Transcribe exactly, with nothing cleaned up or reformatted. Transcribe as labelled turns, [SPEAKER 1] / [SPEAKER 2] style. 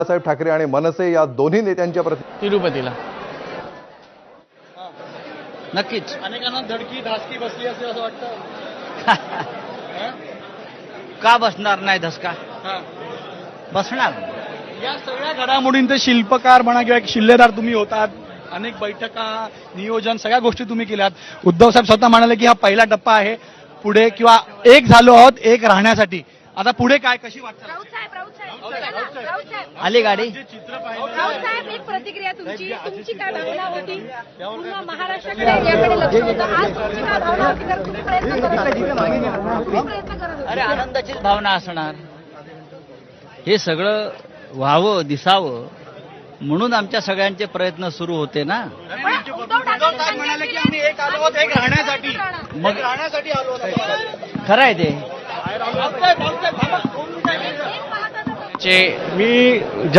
[SPEAKER 1] बाळासाहेब ठाकरे आणि मनसे या दोन्ही नेत्यांच्या प्रति
[SPEAKER 2] तिरुपतीला नक्कीच.
[SPEAKER 3] अनेकांना धडकी धासकी बसली असेल असं वाटतं.
[SPEAKER 2] का बसणार नाही धसका? बसणार.
[SPEAKER 3] या सगळ्या घडामोडींचे शिल्पकार म्हणा किंवा एक शिल्लेदार तुम्ही होतात. अनेक बैठका नियोजन सगळ्या गोष्टी तुम्ही केल्यात. उद्धव साहेब स्वतः म्हणाले की हा पहिला टप्पा आहे. पुढे किंवा एक झालो आहोत एक राहण्यासाठी. आता पुढे काय कशी वाटतं?
[SPEAKER 4] राऊत साहेब राऊत साहेब राऊत साहेब
[SPEAKER 2] आली गाडी.
[SPEAKER 3] चित्र पाहिलं
[SPEAKER 4] राऊत साहेब एक प्रतिक्रिया तुमची तुमची काय भावना होती? पूर्ण महाराष्ट्राकडे याकडे लक्ष होतं. आज तुमची काय भावना होती? तर तुम्ही प्रयत्न करत होते. तुम्ही प्रयत्न करत होते.
[SPEAKER 2] अरे आनंदाचीच भावना असणार. हे सगळं व्हावं दिसावं म्हणून आमच्या सगळ्यांचे प्रयत्न सुरू होते ना.
[SPEAKER 4] उद्धव ठाकरे
[SPEAKER 3] म्हणाले की आम्ही एक आलो आहोत एक राहण्यासाठी.
[SPEAKER 2] मग
[SPEAKER 3] राहण्यासाठी आलो आहोत.
[SPEAKER 2] खरं आहे ते.
[SPEAKER 3] भाऊसाहेब, भाऊसाहेब, थांबा.
[SPEAKER 4] एक पाहता
[SPEAKER 2] चे
[SPEAKER 3] मी